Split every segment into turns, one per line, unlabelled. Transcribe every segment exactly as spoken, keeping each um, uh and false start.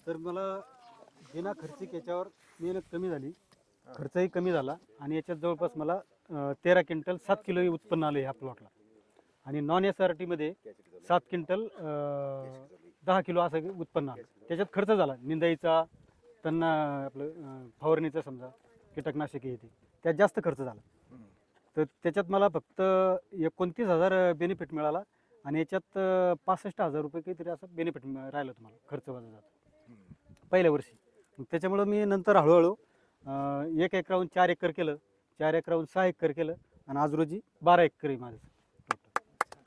तर मला बिना खर्चिक याच्यावर मेहनत कमी झाली, खर्चही कमी झाला आणि याच्यात जवळपास मला अं, तेरा क्विंटल सात किलो उत्पन्न आलं ह्या प्लॉटला. आणि नॉन एस आर टीमध्ये सात क्विंटल अं, दहा किलो असं उत्पन्न आलं. त्याच्यात खर्च झाला निंदाईचा, त्यांना आपलं अं, फवारणीचा समजा कीटकनाशके येते, त्यात जास्त खर्च झाला. तर त्याच्यात मला फक्त एकोणतीस हजार बेनिफिट मिळाला आणि याच्यात अं, पासष्ट हजार रुपये काहीतरी असं बेनिफिट राहिलं तुम्हाला खर्च वजा जातं पहिल्या वर्षी. मग त्याच्यामुळं मी नंतर हळूहळू अं, एक एकराहून चार एकर केलं, चार एकराहून सहा एकर केलं आणि आज रोजी बारा एकर आहे माझं टोटल.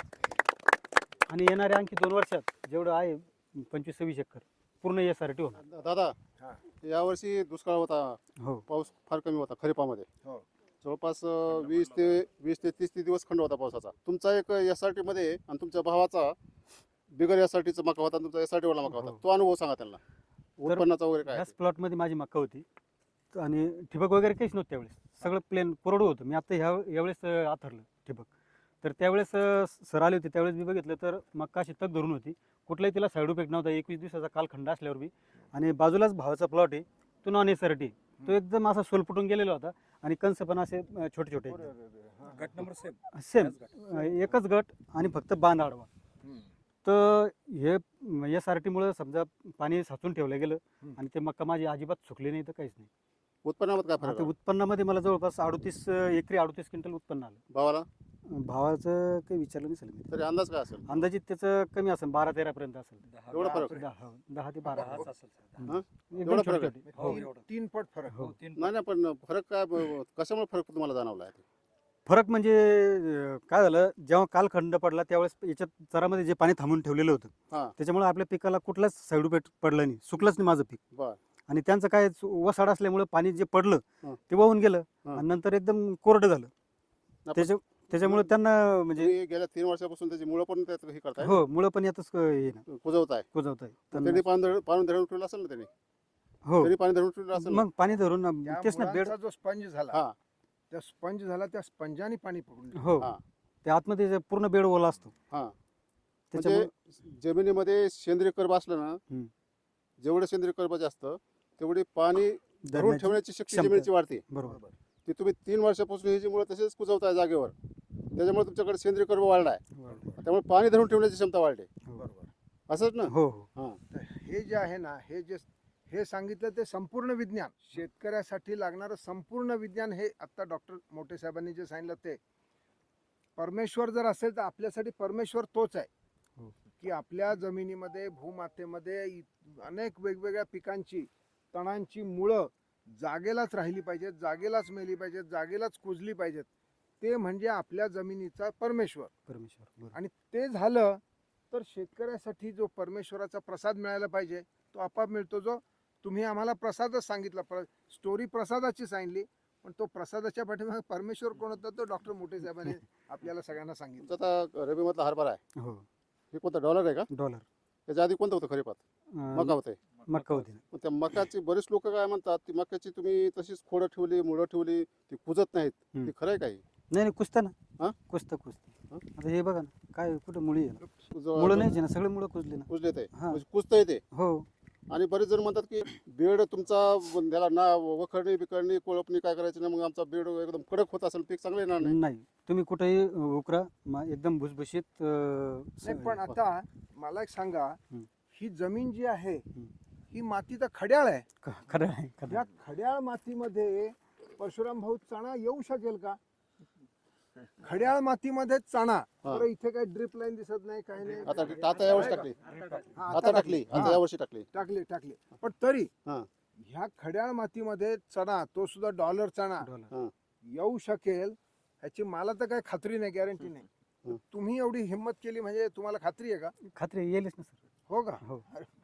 आणि येणाऱ्या आणखी दोन वर्षात जेवढं आहे पंचवीस सव्वीस एकर पूर्ण एस आर टी होणार.
दादा यावर्षी दुष्काळ होता,
हो
पाऊस फार कमी होता खरीपामध्ये.
हो.
जवळपास अं, वीस ते वीस ते तीस ते दिवस खंड होता पावसाचा. तुमचा एक एस आर टी मध्ये आणि तुमच्या भावाचा बिगर एस आर टीचा मका होता, तुमचा एस आर टी वाला मका होता.
हो.
तो अनुभव सांगा त्यांना, उत्पन्नाचा वगैरे काय.
ह्याच प्लॉटमध्ये माझी मका होती आणि ठिबक वगैरे काहीच नव्हतं त्यावेळेस, सगळं प्लेन कोरडं होतं. मी आता ह्या यावेळेस अं, आथरलं ठिबक. तर त्यावेळेस अं, सर आले होते, त्यावेळेस मी बघितलं तर मका अशी तग धरून होती, कुठलाही तिला साईड इफेक्ट नव्हता. एकवीस दिवसाचा कालखंड असल्यावर बी. आणि बाजूलाच भावाचा प्लॉट आहे, तो नॉन एस आर टी, तो एकदम असा सोलपुटून गेलेला होता आणि कंस पण असे अं, छोटे छोटे
गट नंबर सेम
सेम एकच गट आणि फक्त बांध आडवा. तर हे एस आर टीमुळं समजा पाणी साचून ठेवलं गेलं आणि ते मका माझी अजिबात सुकली नाही तर काहीच नाही.
उत्पन्नामध्ये काय
आता
फरक आहे?
उत्पन्नामध्ये मला जवळपास अडतीस एकरी अडतीस क्विंटल उत्पन्न आलं.
भावाला
भावाचं काही विचारलं नाही सर मी.
तरी अंदाज काय असेल?
अंदाजित त्याचं कमी असेल बारा तेरा पर्यंत असेल.
एवढा फरक?
दहा दहा ते बारा
दहाच असेल सर.
हा?
एकदम
एवढा
छोटे
फरक आहे?
छोटे.
हो,
हो.
एवढं.
तीन पट फरक.
हो.
तीन
नाही नाही, पण फरक काय, ब- कशामुळे फरक तुम्हाला जाणवला आहे?
फरक म्हणजे अं, काय झालं, जेव्हा कालखंड पडला त्यावेळेस याच्यात चरामध्ये जे पाणी थांबून ठेवलेलं होतं
हा.
त्याच्यामुळे आपल्या पिकाला कुठलाच साईड इफेक्ट पडला नाही, सुकलंच नाही माझं पीक.
बर.
आणि त्यांचं काय वसाड असल्यामुळे पाणी जे पडलं
हं.
ते वाहून गेलं
हं.
आणि नंतर एकदम कोरडं झालं.
आपण-
त्याच्या त्याच्यामुळे त्यांना म्हणजे
तुम्ही गेल्या तीन वर्षापासून त्याची मुळं पण त्यात हे करताय,
हो मुळं पण यातच हे ना
कुजवताय.
कुजवत आहे
त्यांनी पाणी धरून पाणी धरून ठेवलं असेल ना, त्यांनी
हो.
त्यांनी पाणी धरून ठेवलं असेल ना?
मग पाणी धरून
त्या
तेच ना बेड.
मुळांचा जो स्पंज झाला,
हा
त्या स्पंज झाला त्या स्पंजाने पाणी पकडून
हो
हा.
त्या आतमध्ये जे पूर्ण बेड ओला असतो
हा.
त्याच्यामुळे
म्हणजे जमिनीमध्ये सेंद्रिय कर्ब असलं ना,
हम्म.
जेवढं सेंद्रिय कर्ब जास्त तेवढी पाणी धरून
धरण्याची
ठेवण्याची शक्ती
क्षमता.
जमिनीची वाढते.
बरोबर.
ती तुम्ही तीन वर्षापासून ही जी मुळं तसेच कुजवताय जागेवर, त्याच्यामुळे तुमच्याकडे सेंद्रिय कर्ब वाढलाय, त्यामुळे पाणी धरून ठेवण्याची क्षमता वाढते.
बरोबर.
असंच ना?
हो हो
हा.
तर हे जे आहे ना, हे जे हे सांगितलं ते संपूर्ण विज्ञान, शेतकऱ्यासाठी लागणारं संपूर्ण विज्ञान, हे आता डॉक्टर मोठे साहेबांनी जे सांगितलं ते. परमेश्वर जर असेल तर आपल्यासाठी परमेश्वर तोच आहे
हो.
की आपल्या जमिनीमध्ये भूमातेमध्ये इ- अनेक वेगवेगळ्या पिकांची तणांची मुळं जागेलाच राहिली पाहिजेत, जागेलाच मेली पाहिजेत, जागेलाच कुजली पाहिजेत. ते म्हणजे आपल्या जमिनीचा परमेश्वर.
परमेश्वर बरोबर.
आणि ते झालं तर शेतकऱ्यासाठी जो परमेश्वराचा प्रसाद मिळायला पाहिजे तो आपोआप मिळतो. जो तुम्ही आम्हाला प्रसादच सांगितला, प्र स्टोरी प्रसादाची सांगितली, पण तो प्रसादाच्या पाठीमागे परमेश्वर कोण होता तो डॉक्टर मोठे साहेबांनी आपल्याला सगळ्यांना सांगितलं.
तुमचा आता रबीमधला हरभरा आहे,
हो
हे कोणता डॉलर आहे का?
डॉलर
त्याच्या आधी कोणतं होतं खरीपात? मका होते.
मक्का होती ना.
मग त्या मकाची बरेच लोक काय म्हणतात, ती मक्याची तुम्ही तशीच खोडं ठेवली, मुळं ठेवली, ती कुजत नाहीत,
हम्म.
ती खरं आहे काही?
नाही नाही कुजतं ना.
हा?
कुजतं कुजतं.
हा?
आता हे बघा ना काय कुठं मुळी आहे ना,
कुजव-
मुळं नाही ना, सगळे मुळं कुजले ना.
कुजले ते
हा.
म्हणजे कुजता येते.
हो
आणि बरेच जण म्हणतात की बेड तुमचा त्याला ना वखरणी बिकरणी कोळपणी काय करायची नाही, मग आमचा बेड एकदम कडक होत असेल, पीक चांगलं येणार नाही.
नाही तुम्ही कुठेही उकरा मा- एकदम भुसभुशीत अं,
नाही,
स-
पण आता मला एक सांगा,
हम्म.
ही जमीन जी आहे
हम्म.
ही माती तर खड्याळ आहे.
ख- खरं आहे खरं
या
आहे.
खड्याळ मातीमध्ये परशुराम भाऊ चणा येऊ शकेल का? खड्याळ मातीमध्ये चणा.
हा.
बरं, इथे काही ड्रिप लाईन दिसत नाही, काही नाही.
आता आता यावर्षी टाकली,
हा,
आता टाकली, आता
हा.
यावर्षी टाकली.
टाकली टाकली पण तरी
हा.
ह्या खड्याळ मातीमध्ये चणा, तो सुद्धा डॉलर चणा
डॉलर.
येऊ शकेल ह्याची मला तर काही खात्री नाही, गॅरंटी नाही.
हं.
तुम्ही एवढी हिंमत केली म्हणजे तुम्हाला खात्री आहे का?
खात्री येईलच ना सर.
हो का?
हो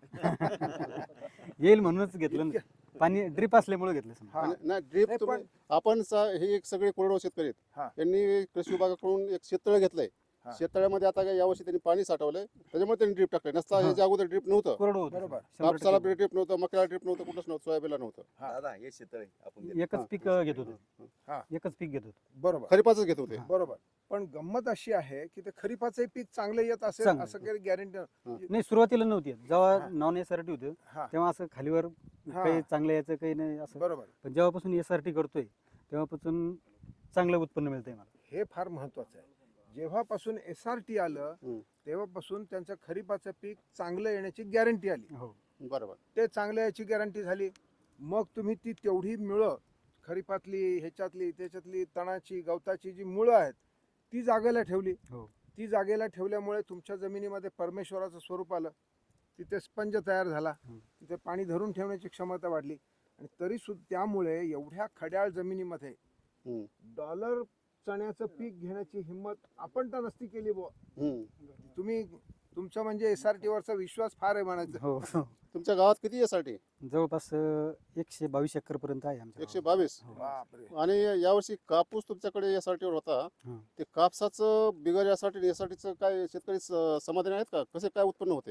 येईल म्हणूनच घेतलं ना. पाणी ड्रिप असल्यामुळे घेतलं समजा.
हा.
आणि नाही ड्रीप
नाही, पण
आपण सा- हे एक सगळे कोरडवाहू शेतकरी आहेत,
हा.
यांनी कृषी विभागाकडून एक शेततळ घेतलंय,
हा.
शेततळ्यामध्ये आता काय यावर्षी त्यांनी पाणी साठवलंय त्याच्यामुळे त्यांनी ड्रीप टाकलंय नसता
हा.
ह्याच्या अगोदर ड्रीप नव्हतं.
कोरडं होतं
बरोबर.
शंभर
कापसाला
टक्के.
ड्रीप नव्हतं, मक्याला ड्रीप नव्हतं, कुठंच नव्हतं, सोयाबीनला नव्हतं.
हा.
दादा हे शेततळे आपण दिलं.
एकच
हा.
पीक अं, घेत होतो
हा.
एकच पीक घेत होतो.
बरोबर
खरीपाच घेत होते.
बरोबर. पण गंमत अशी आहे की ते खरीपाचे पीक चांगलं येत असेल
चांगलं.
असं काही गॅरंटी
नाही सुरुवातीला नव्हती येत. जेव्हा
हा.
नॉन एस आर टी होतं
हा
तेव्हा असं खालीवर
हा.
काही चांगलं यायचं काही नाही असं.
बरोबर.
पण जेव्हापासून एस आर टी करतोय तेव्हापासून चांगलं उत्पन्न मिळतंय मला.
हे फार महत्वाचं आहे. जेव्हापासून एस आर टी आलं
हम्म.
तेव्हापासून त्यांचं खरीपाचं पीक चांगलं येण्याची गॅरंटी आली.
हो
बरोबर.
ते चांगलं याची गॅरंटी झाली. मग तुम्ही ती तेवढी मुळं खरीपातली ह्याच्यातली त्याच्यातली तणाची गवताची जी मुळं आहेत ती जागेला ठेवली.
हो.
ती जागेला ठेवल्यामुळे तुमच्या जमिनीमध्ये परमेश्वराचं स्वरूप आलं. तिथे स्पंज तयार झाला.
हं.
तिथे पाणी धरून ठेवण्याची क्षमता वाढली आणि तरी सुद्धा त्यामुळे एवढ्या खड्याळ जमिनीमध्ये
हम्म.
डॉलर चण्याचं पीक घेण्याची हिंमत आपण तर नसती केली बुवा.
हम्म.
तुम्ही तुमचा म्हणजे एस आर टी वरचा विश्वास फार आहे म्हणायचं.
हो
तुमच्या गावात किती यासाठी?
जवळपास अं, एकशे बावीस एकर पर्यंत आहे आमच्या
एकशे
गावात.
बावीस.
हो.
बापरे.
आणि यावर्षी कापूस तुमच्याकडे यासाठीवर होता.
हं.
ते कापसाचं बिगर यासाठी यासाठीचं काय शेतकरी स- समाधानी आहेत का? कसे काय उत्पन्न होते?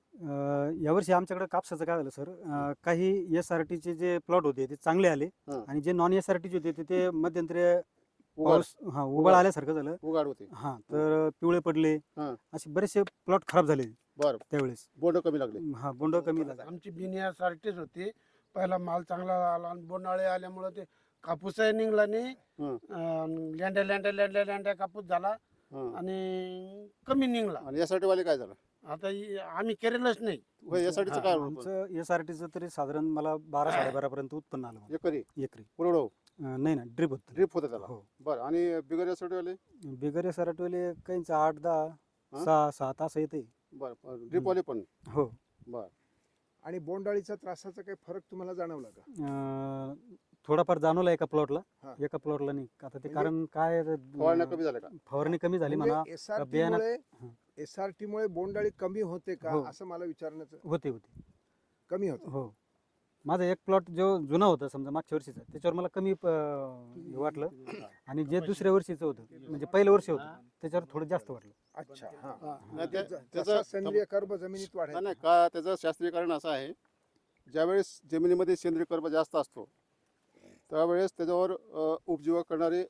अं, यावर्षी आमच्याकडे कापसाचं काय झालं सर अं, काही एस आर टीचे जे प्लॉट होते ते चांगले आले
हं.
आणि जे नॉन एस आर टीचे होते ते- ते मध्यंतरी
उघाड
पाऊस हा उबळ आल्यासारखं झालं.
उघाड होते.
हा तर पिवळे पडले
हं.
असे बरेचसे प्लॉट खराब झाले
बरं.
त्यावेळेस.
बोंड कमी लागले.
हा बोंड कमी झाला.
आमची बिनियासारखीच होती. पहिला माल चांगला आला आणि बोंडाळे आल्यामुळे ते कापूसही निघला नाही.
हं.
अं, लेंड्या लेंड्या लेंड्या लेंड्या कापूस झाला
हं.
आणि कमी निघला.
आणि यासाठी वाले काय झालं?
आता इ- आम्ही केलेलंच नाही.
होय, यासाठीचं
हा,
काय होतं?
आमचं एस आर टीचं तरी साधारण मला बारा साडेबारा पर्यंत उत्पन्न आलं मला
एकरी
एकरी.
पुरवडो
अं, नाही ना ड्रिप होत
ड्रीप होतं त्याला.
हो.
बरं. आणि बिगर यासाठी वाले?
बिगर एस आर टीवाले काहींचं आठ दहा
हा?
सहा सात असं येते.
बरं. ड्रीप वाले पण.
हो.
बरं.
आणि बोंडाळीचा त्रासाचा काही फरक तुम्हाला जाणवला का?
अं, थोडाफार जाणवला एका प्लॉटला
हा.
एका प्लॉटला नाही. आता ते
म्हणजे
कारण काय अं,
फवारण्या कमी झाल्या का?
फवारणी कमी झाली म्हणा.
एसआरटी
बियाणं-
मुळे
हं.
एसआरटी मुळे बोंडाळी कमी होते का
हो.
असं मला विचारण्याचं.
होते होते
कमी होते.
हो. माझा एक प्लॉट जो जुना होता समजा मागच्या वर्षीचा त्याच्यावर मला कमी अं, वाटलं आणि जे दुसऱ्या वर्षीचं होतं म्हणजे पहिलं वर्ष होतं त्याच्यावर थोडं जास्त वाटलं.
अच्छा. हा.
नाही, त्या-
जसा
त्याचं
सेंद्रिय कर्ब जमिनीत
नाही,
वाढायचा.
नाही का त्याचं शास्त्रीय कारण असं आहे, ज्यावेळेस जमिनीमध्ये सेंद्रिय कर्ब जास्त असतो त्यावेळेस त्याच्यावर अ, उपजीवक करणारे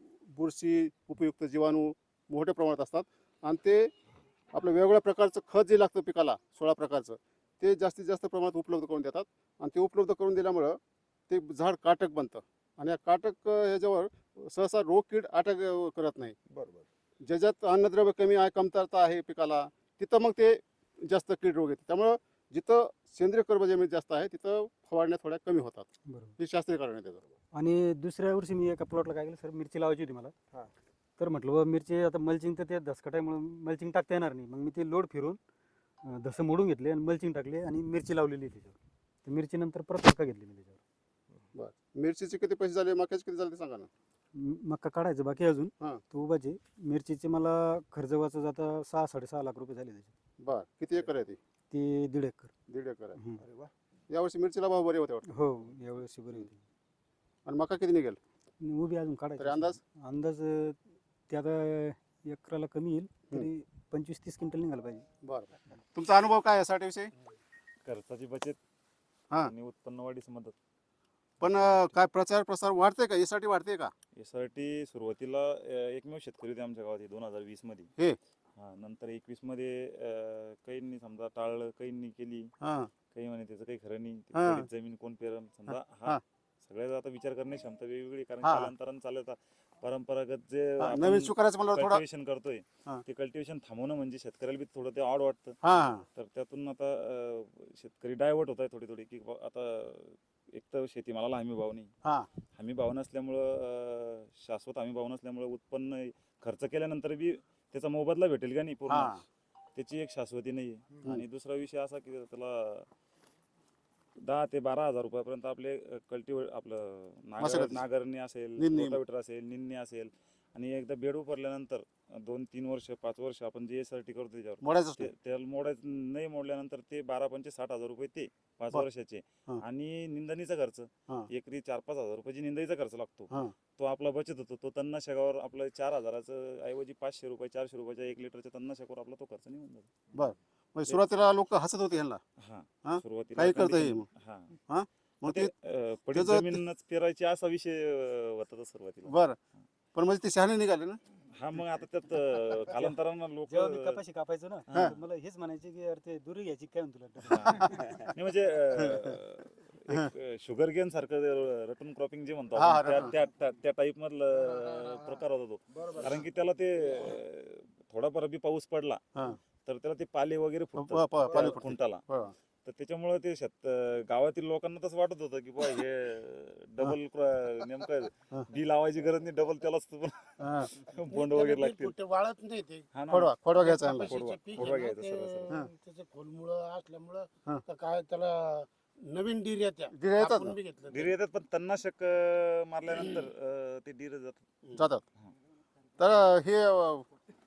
बुरशी उपयुक्त जीवाणू मोठ्या प्रमाणात असतात आणि ते आपलं वेगवेगळ्या प्रकारचं खत जे लागतं पिकाला सोळा प्रकारचं ते जास्तीत जास्त प्रमाणात उपलब्ध करून देतात आणि ते उपलब्ध करून दिल्यामुळं ते झाड काटक बनतं आणि या काटक अ, ह्याच्यावर सहसा रोग कीड अटॅक अ, करत नाही.
बरोबर.
ज्याच्यात अन्नद्रव्य कमी आहे कमतरता आहे पिकाला तिथं मग ते जास्त कीड रोग येते. त्यामुळं जिथं सेंद्रिय कर्ब जमीन जास्त आहे तिथं फवारण्या थोड्या कमी होतात.
बरोबर.
हे शास्त्रीय कारण आहे त्याचं.
आणि दुसऱ्या वर्षी मी एका प्लॉटला काय केलं सर मिरची लावायची होती मला.
हा.
तर म्हटलं बा मिरची आता मल्चिंग तर ते दसकटामुळे मल्चिंग टाकता येणार नाही. मग मी ते लोड फिरून अं, धसं मोडून घेतले आणि मल्चिंग टाकले आणि मिरची लावलेली आहे त्याच्यावर. तर मिरची नंतर परत मका घेतली मी त्याच्यावर.
मिरचीचे किती पैसे झाले मक्याचे किती झाले ते सांगा ना.
म- मका काढायचं बाकी अजून
हा.
तो उभाचे मिरचीचे मला खर्च वाचा जाता सहा साडेसहा लाख रुपये झाले त्याचे.
बर. किती एकर आहे ती?
ते दीड एकर.
दीड एकर आहे.
हं.
अरे वा.
यावर्षी मिरचीला भाव बरे होते वाटतं.
हो यावेळेस बरी होती.
आणि मका किती निघेल
आणि उभी अजून काढायची.
तरी अंदाज?
अंदाज अं, ते आता एकराला कमी येईल तरी पंचवीस तीस क्विंटल निघाला पाहिजे.
बरं. तुमचा अनुभव काय यासाठी विषयी?
खर्चाची बचत
हा.
आणि उत्पन्न वाढीस मदत.
पण अं, काय प्रचार प्रसार वाढते का यासाठी वाढते का?
यासाठी सुरुवातीला अं, एकमेव शेतकरी होते आमच्या गावात दोन हजार वीस मध्ये.
हे.
हा नंतर एकवीस मध्ये अं, काहींनी समजा टाळलं काहींनी केली
हा.
काही म्हणे त्याचं काही खरं नाही ते
हा.
पडीत जमीन कोण पेरल समजा
हा.
हा सगळ्याचा आता विचार करण्याची क्षमता वेगवेगळी कारण
हा.
कालांतरानं चालत परंपरागत जे
हा,
आपण
नवीन स्वीकारायचं म्हणलं थोडा.
कल्टिवेशन करतोय
हा.
ते कल्टिवेशन थांबवणं म्हणजे शेतकऱ्याला बी थोडं ते ऑड वाटतं.
हा हा.
तर त्यातून आता अं, शेतकरी डायव्हर्ट होत आहे थोडी थोडी की बा आता एक तर शेतीमालाला हमी भाव नाही.
हा.
हमी भाव नसल्यामुळं अं, शाश्वत हमी भाव नसल्यामुळं उत्पन्न खर्च केल्यानंतर बी त्याचा मोबदला भेटेल का नाही पूर्ण
हा.
त्याची एक शाश्वती नाही. आणि दुसरा विषय असा की त्याला दहा ते बारा हजार रुपयापर्यंत आपले कल्टिवेट आपलं नागर
मशागत.
नागरणी असेल
निंदणी.
रोटावेटर असेल निंदणी असेल आणि एकदा बेड उपरल्यानंतर दोन तीन वर्ष पाच वर्ष आपण जे एस आर टी करतो त्याच्यावर
मोडायचंच
ते-
नाही.
त्याला मोडायचं नाही, मोडल्यानंतर ते बारा पंचे साठ हजार रुपये ते पाच
बर.
वर्षाचे
हा.
आणि निंदणीचा खर्च
हा.
एकरी चार पाच हजार रुपयाची निंदाईचा खर्च लागतो.
हा.
तो आपला बचत होतो. तो तणनाशकावर आपलं चार हजाराचं ऐवजी पाचशे रुपये चारशे रुपयाच्या एक लिटरच्या तणनाशकावर आपला तो खर्च निघून जातो.
म्हणजे सुरुवातीला लोक हसत होते ह्यांना,
हा
हा?
सुरुवातीला
काही करता
condition-
येईल मग.
हा
हा? मग
ते
ते
अं, पडीत
त्याचं-
जमीनच पेरायची असा विषय अं, होता तो सुरुवातीला.
बरं, पण म्हणजे ते शहाणे निघाले ना.
हा मग आता त्यात अं, कालांतरानं लोक
जेव्हा मी कपाशी कापायचो ना
हा.
तर मला हेच म्हणायचे की यार ते दुरी घ्यायची काय म्हणतो तुला
नाही म्हणजे अं, एक शुगर गेन सारखं रटून क्रॉपिंग जे म्हणतो
हा,
आपण, त्या-
रटून.
त्या त्या- त्या टाईप मधलं प्रकार होता तो.
बरोबर
कारण की त्याला ते अं, थोडाफार बी पाऊस पडला
हा.
तर त्याला ते पाले वगैरे
प-
फुटतात
प- पाले
त्या
फुटतात.
खुंटाला.
बरं.
तर त्याच्यामुळे ते शेत गावातील लोकांना तसं वाटत होतं की बुवा हे डबल नेमकं
हा.
बी लावायची गरज नाही, डबल त्यालाच
हा.
बोंड वगैरे लागतील.
कुठे वाळत नाही ते.
हा ना.
खोडवा खोडवा घ्यायचा यांना.
कपाशीचे
खोडवा-
पीक
खोडवा
आहे ना,
घ्यायचा सरळ सरळ.
हा.
ते त्याचं खोलमुळं असल्यामुळं
हा.
तर काय त्याला नवीन डीर येत्या
डीर येतात
आपण
ना.
बी घेतलं
डिर येतात पण तणनाशक अं, मारल्यानंतर अं, ते डिर जातात.
जातात.
हा.
तर हे अं,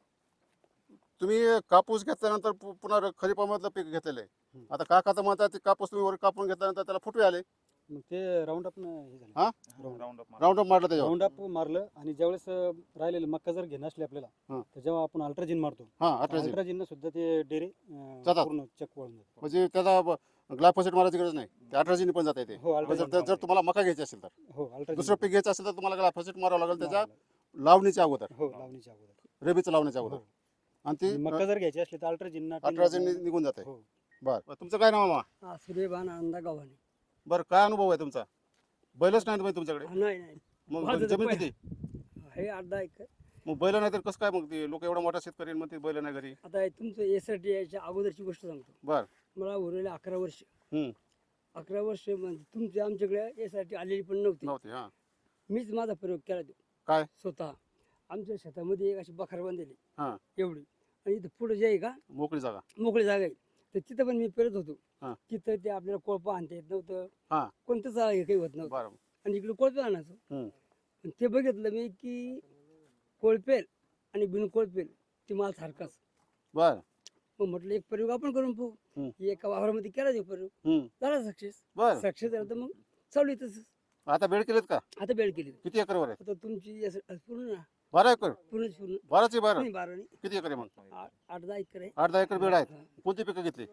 तुम्ही कापूस घेतल्यानंतर पु- पुन्हा खरीपामधलं पीक घेतलेलं आहे. आता काका म्हणतात ते कापूस तुम्ही वर कापून घेतल्यानंतर त्याला फुटवे आले,
मग ते राऊंड अप हे झालं
हा?
Round
round up
round up मारलं त्याच्यावर.
राऊंड अप मारलं आणि ज्यावेळेस अं, राहिलेलं मक्का जर घेणं असली आपल्याला
हा.
तर जेव्हा आपण अल्ट्राजिन मारतो
हा अठराशे.
अल्ट्राजिन सुद्धा ते डेरे अं,
जातात.
पूर्ण चक वळून जातात.
म्हणजे त्याला ग्लायफोसेट मारायची गरज नाही, ते अठराशे पण जाता येते.
हो
जर
अल्ट्राजिन
जर- जर तुम्हाला मका घ्यायची असेल तर,
हो अल्ट्राजिन
दुसरं पीक घ्यायचं असेल तर तुम्हाला ग्लायफोसेट मारावं लागेल त्याच्या लावणीच्या अगोदर,
हो लावणीच्या अगोदर
रेबीचं लावण्याच्या अगोदर.
हो.
आणि ती
आणि मक्का जर घ्यायची असली तर अल्ट्राजिन
अठराशे निघून जाते.
हो
बरं, तुमचं काय नाव मामा?
हा सूर्यभान आनंदा गावाने.
बरं, काय अनुभव आहे तुमचा? बैलच नाही तुम्ही तुमच्याकडे,
नाही नाही
मग
माझं
जमीन
तर
किती?
हे आठ दहा एकर.
मग बैल नाही तर कसं काय? मग ते लोक एवढा मोठा शेतकरी मग ते बैल नाही घरी.
आता हे तुमचं एस आर टी याच्या अगोदरची गोष्ट सांगतो.
बर.
मला उरलेले अकरा वर्ष.
हम्म.
अकरा वर्ष म्हणजे तुमच्या आमच्याकडे एस आर टी आलेली पण नव्हती.
नव्हते. हा.
मीच माझा प्रयोग केला तो.
काय?
स्वतः आमच्या शेतामध्ये एक अशी बखार बांधलेली
हा.
एवढी, आणि इथं पुढे जे आहे का
मोकळी जागा.
मोकळी जागा आहे, तर तिथं पण मी पेरत होतो.
हा.
तिथं ते आपल्याला कोळपा आणता येत नव्हतं,
हा.
कोणतंच हे काही होत नव्हतं,
बरं.
आणि इकडे कोळपे आणायचो.
हम्म.
पण ते बघितलं मी की कोळपेल आणि बिन कोळपेल ते माल सारखाच.
बर.
मग म्हटलं एक प्रयोग आपण करून पाहू.
हम्म.
एका वावरामध्ये केला तो प्रयोग,
हम्म.
झाला सक्सेस.
बर.
सक्सेस झाला तर मग चालू आहे तसंच.
आता बेड केलेत का?
आता बेड केली.
किती एकरवर आहे?
आता तुमची यास- पूर्ण ना
बारा एकर.
पूर्ण पूर्ण
बाराची बारा.
नाही, बारा नाही,
किती एकर आहे मग?
आठ आठ दहा एकर आहे.
आठ दहा एकर बेड आहेत.
हा.
कोणती पिकं घेतली?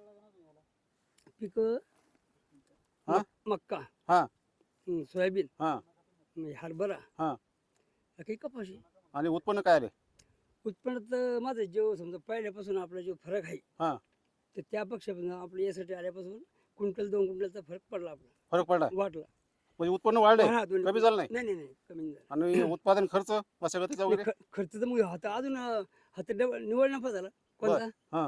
पीक
हा?
मक्का,
हा.
हं, सोयाबीन,
हा.
म्हणजे हरभरा,
हा.
काही कपाशी.
आणि उत्पन्न काय आले?
उत्पन्नात माझं जो समजा पहिल्यापासून आपला जो फरक आहे,
हा.
तर त्यापेक्षा आपल्या यासाठी आल्यापासून क्विंटल दोन क्विंटलचा फरक पडला, आपला
फरक पडला
वाटला.
म्हणजे उत्पन्न वाढले,
हा, दोन्ही-
कमी झालं नाही?
नाही नाही नाही कमी नाही झालं.
आणि उत्पादन खर्च मशागतीचा
नाही,
वगैरे?
ख- खर्च तर मग आता अजून अं, हात डबल निवड नफा झाला कोणता
हा.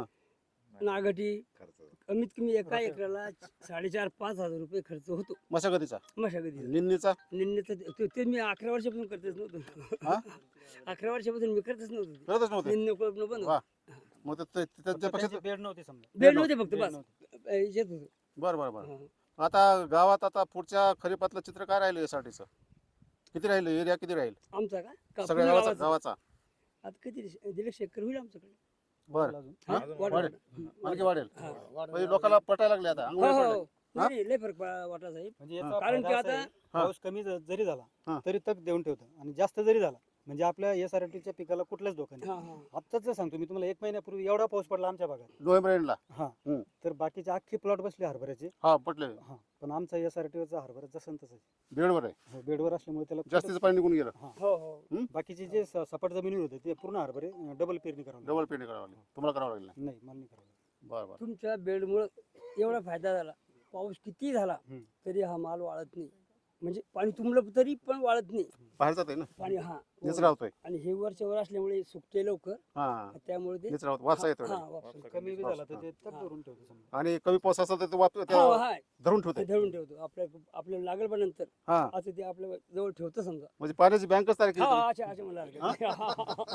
नागटी. कमीत कमी एका एकराला साडेचार पाच हजार रुपये खर्च होतो
मशागतीचा,
मशागतीचा.
निंदीचा?
निंदीचं ते- ते- ते मी अकरा वर्षापासून करतेच नव्हतो.
हा?
अकरा वर्षापासून मी करतच नव्हतो.
करतच नव्हते.
निंद कोळपणं बंद
वा.
होतं.
मग ते- ते- ते- त्याच्यापेक्षा
बेड नव्हते समजा
बेड नव्हते फक्त
बेड
बस
नव्हते.
अं, येत होतो.
बरं बरं बरं.
हा.
आता गावात आता पुढच्या खरीपातलं चित्र काय राहिलं यासाठीचं? किती राहिलं? एरिया किती राहील
आमचा का का
सगळ्या
पूर्ण
गावाचा?
गावाचा?
गावाचा.
आता किती दीडशे एकर होईल आमच्याकडे.
बरं.
अजून.
हा?
अजून
वाढ-
वाढेल.
वाढ-
आणखी वाढेल.
हा.
म्हणजे लोकांना पटायला लागले आता,
हो
अंगवळी
हो
पडले.
हो. नाही, नाही, लय फरक पा- वाटला साहेब.
म्हणजे
हा.
याचा
कारण
फायदा
की
असा
आता-
आहे, पाऊस कमी ज- जरी झाला
हा.
तरी तक देऊन ठेवतं आणि जास्त जरी झाला म्हणजे आपल्या एस आर टीच्या पिकाला कुठलाच धोका नाही.
हा हा
आत्ताच सांगतो मी तुम्हाला, एक महिन्यापूर्वी एवढा पाऊस पडला आमच्या भागात,
नोव्हेंबर एंडला.
हा
हम्म.
तर बाकीचे अख्खे प्लॉट बसले हरभऱ्याचे.
हा पटले.
हा पण आमचा एस आर टीवरचा हरभरा जसं तसं
बेडवर आहे,
हो, बेडवर असल्यामुळे त्याला
जास्तीचं
कुठंच-
पाणी निघून गेलं.
हा.
हो हो.
बाकीचे जे स- सपाट जमिनीवर होते ते पूर्ण हरभरे डबल पेरणी करावं लागली.
डबल पेंडी करावं लागली. तुम्हाला करावं लागलं नाही?
नाही मला नाही करावं लागलं.
बरं बरं.
तुमच्या बेडमुळं एवढा फायदा झाला. पाऊस किती झाला
हम्म.
तरी हा माल वाळत नाही. म्हणजे पाणी तुंबलं तरी पण वाळत नाही
बाहेर जात आहे ना,
पाणी. हा
निचरा होतोय.
आणि हे वरच्यावर असल्यामुळे सुकते लवकर,
हा,
त्यामुळे ते
निचरा होतो, वाचा येतोय.
हा, वापस.
कमी बी झाला तर ते तक
हा.
धरून ठेवतो समजा.
आणि कमी पाऊस असेल तर ते वाप
हा,
त्या
हा,
धरून
ते
ठेवते.
धरून ठेवतो. आपल्या आपल्याला लागल पण नंतर
हा,
असं ते आपल्या जवळ ठेवतं समजा.
म्हणजे पाण्याची बँकच तयार केली
हा
तुम्ही.
अच्छा अच्छा मला लागलं.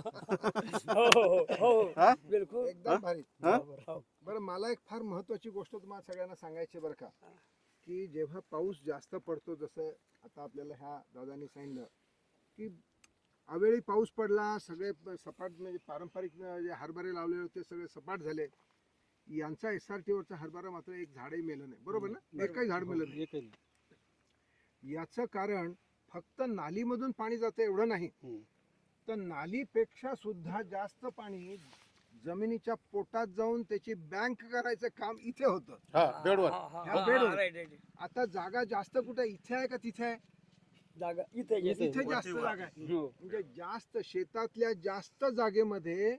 हो हो हो हो
हा?
हो बिलकुल.
एकदम भारी.
हा?
हो.
बरं, मला एक फार महत्वाची गोष्ट तुम्हाला सगळ्यांना सांगायची बरं का, की जेव्हा पाऊस जास्त पडतो, जसं आता आपल्याला ह्या दादांनी सांगितलं की अवेळी पाऊस पडला, सगळे प- सपाट म्हणजे पारंपरिक अं, जे हरभरे लावलेले होते सगळे सपाट झाले. यांचा एस आर टी वरचा हरभरा मात्र एक झाडही मेलं नाही, बरोबर ना? एकही झाड मेलं नाही.
एकही नाही.
याचं कारण फक्त नालीमधून पाणी जातं एवढं नाही,
हम्म.
तर नालीपेक्षा सुद्धा जास्त पाणी जमिनीच्या पोटात जाऊन त्याची बँक करायचं काम इथे होतं.
हा बेडवर
ह्या बेडवर. आता जागा जास्त कुठे इथे आहे का तिथे आहे?
जागा इथे
इथे.
इथे जास्त जागा आहे.
हो.
म्हणजे जास्त शेतातल्या जास्त जागेमध्ये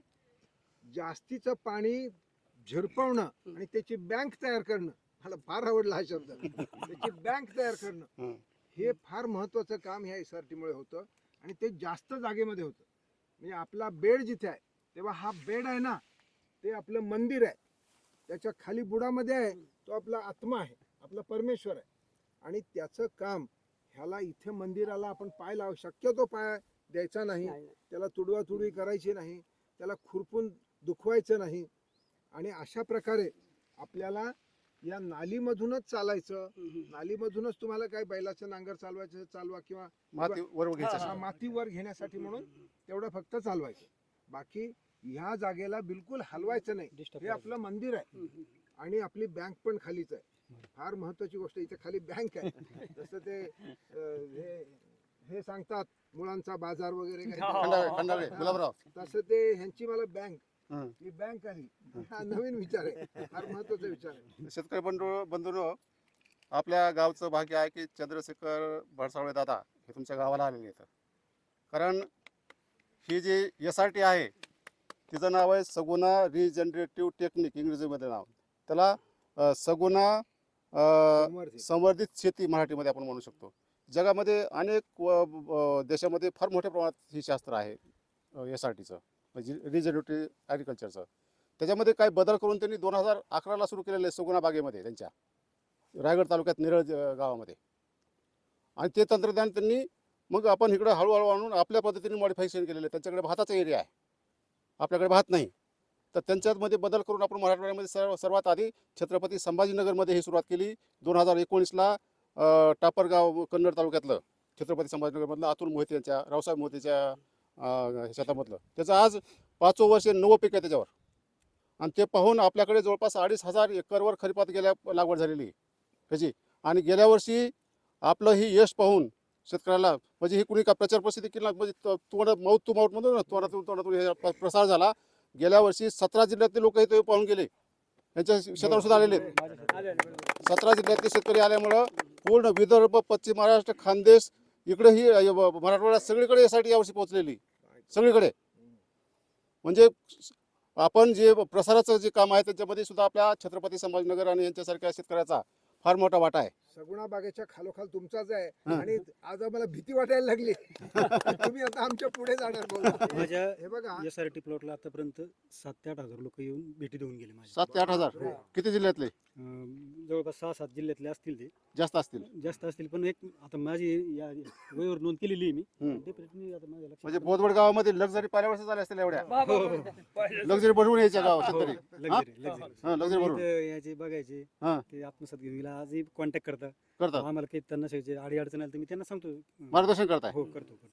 जास्तीचं पाणी झिरपवणं आणि त्याची बँक तयार करणं, मला फार आवडला हा शब्द, त्याची बँक तयार करणं,
हं.
हे फार महत्वाचं काम ह्या एस आर टी मुळे होतं आणि ते जास्त जागेमध्ये होतं. म्हणजे आपला बेड जिथे आहे तेव्हा हा बेड आहे ना, ते आपलं मंदिर आहे, त्याच्या खाली बुडामध्ये आहे तो आपला आत्मा आहे, आपला परमेश्वर आहे. आणि त्याचं काम ह्याला इथे मंदिराला आपण पाय लाव शक्यतो पाय द्यायचा नाही,
नाही, नाही.
त्याला तुडवा तुडवी करायची नाही, त्याला खुरपून दुखवायचं नाही. आणि अशा प्रकारे आपल्याला या नालीमधूनच चालायचं. नालीमधूनच तुम्हाला काय बैलाचं नांगर चालवायचं चालवा, किंवा
माती वर घ्यायची
हा,
असेल.
मातीवर घेण्यासाठी म्हणून तेवढं फक्त चालवायचं. बाकी ह्या जागेला बिलकुल हलवायचं नाही.
Disturb
हे आपलं मंदिर आहे आणि आपली बँक पण खालीच आहे. फार महत्वाची गोष्ट, इथे खाली बँक आहे. जसं ते अं, हे हे सांगतात मुळांचा बाजार वगैरे काही.
खंडाळे खंडाळे गुलाबराव.
तसं ते ह्यांची मला बँक,
हं.
ही बँक आली. हा नवीन विचार आहे, फार महत्वाचा विचार आहे.
शेतकरी बंधू बंधूंनो, आपल्या गावचं भाग्य आहे की चंद्रशेखर भडसावळे दादा हे तुमच्या गावाला आलेले आहेत. कारण ही जी एस आर टी आहे तिचं नाव आहे सगुणा रिजनरेटिव्ह टेक्निक, इंग्रजीमध्ये नाव त्याला. अ, सगुणा अ,
समर्थ.
संवर्धित शेती मराठीमध्ये आपण म्हणू शकतो. जगामध्ये अनेक व- व- देशामध्ये फार मोठ्या प्रमाणात ही शास्त्र आहे एस आर टीचं, म्हणजे रिजनरेटिव्ह ॲग्रिकल्चरचं. त्याच्यामध्ये काही बदल करून त्यांनी दोन हजार अकराला सुरू केलेलं आहे सगुणा बागेमध्ये, त्यांच्या रायगड तालुक्यात निरळ ज- गावामध्ये. आणि ते तंत्रज्ञान त्यांनी मग आपण इकडं हळूहळू आणून आपल्या पद्धतीने मॉडिफिकेशन केलेलं आहे. त्यांच्याकडे भाताचा एरिया आहे, आपल्याकडे भात नाही, तर त्यांच्यामध्ये बदल करून आपण मराठवाड्यामध्ये सर्व सर्वात आधी छत्रपती संभाजीनगरमध्ये ही सुरुवात केली. दोन हजार एकोणीसला टापरगाव कन्नड तालुक्यातलं छत्रपती संभाजीनगरमधलं अतुल मोहिते यांच्या, रावसाहेब मोहितेच्या अं, शेतामधलं. त्याचं आज पाचवं वर्ष नवं पीक आहे त्याच्यावर. आणि ते पाहून आपल्याकडे जवळपास अडीच हजार एकरवर खरीपात गेल्या लागवड झालेली आहे त्याची. आणि गेल्या वर्षी आपलं ही यश पाहून शेतकऱ्याला, म्हणजे ही कुणी का प्रचार प्रसिद्धी केली ना, म्हणजे तो- तोंड माऊथ टू माऊथ म्हणतो ना, तोंडातून तोंडातून हे प- प्रसार झाला. गेल्या वर्षी सतरा जिल्ह्यातले लोक इथे पाहून गेले, त्यांच्या शेतावर सुद्धा आलेले आहेत.
आले, आले, बरोबर.
सतरा जिल्ह्यातले शेतकरी आल्यामुळं पूर्ण विदर्भ, पश्चिम महाराष्ट्र, खानदेश, इकडे ही अ, ब- मराठवाड्यात सगळीकडे यासाठी यावर्षी पोहोचलेली, सगळीकडे. म्हणजे आपण जे प्रसाराचं जे काम आहे त्याच्यामध्ये सुद्धा आपल्या छत्रपती संभाजीनगर आणि यांच्यासारख्या शेतकऱ्याचा फार मोठा वाटा आहे.
सगुणा बागेच्या खालोखाल तुमचाच आहे.
हं.
आणि आज आम्हाला भीती वाटायला लागली. तुम्ही आता आमच्या पुढे जाणार बोला.
माझ्या
हे बघा,
एस आर टी प्लॉटला आतापर्यंत सात ते आठ हजार लोक येऊन भेटी देऊन गेले माझ्या.
सात ते आठ हजार
हो.
किती जिल्ह्यातले?
अं, जवळपास सहा सात जिल्ह्यातले असतील ते,
जास्त असतील.
जास्त असतील. पण एक आता माझी या वहीवर नोंद केलेली आहे मी.
हं.
Definitely आता माझ्या लक्षात
म्हणजे
आलं.
बोदवड गावामध्ये लक्झरी पहिल्या वर्षी झाल्या असतील एवढ्या.
बा- बा- बा- पहिलं-
लक्झरी बनवून यायच्या गाव शेतकरी.
Luxury, luxury.
हा लक्झरी बनवून
इथं यायचे बघायचे,
हा.
ते आत्मसात घेऊन गेला. आजही कॉन्टॅक्ट करता
करतात,
आम्हाला काही त्यांना अडी अडचण आली तर मी त्यांना सांगतो.
मार्गदर्शन करताय.
हो, करतो करतो.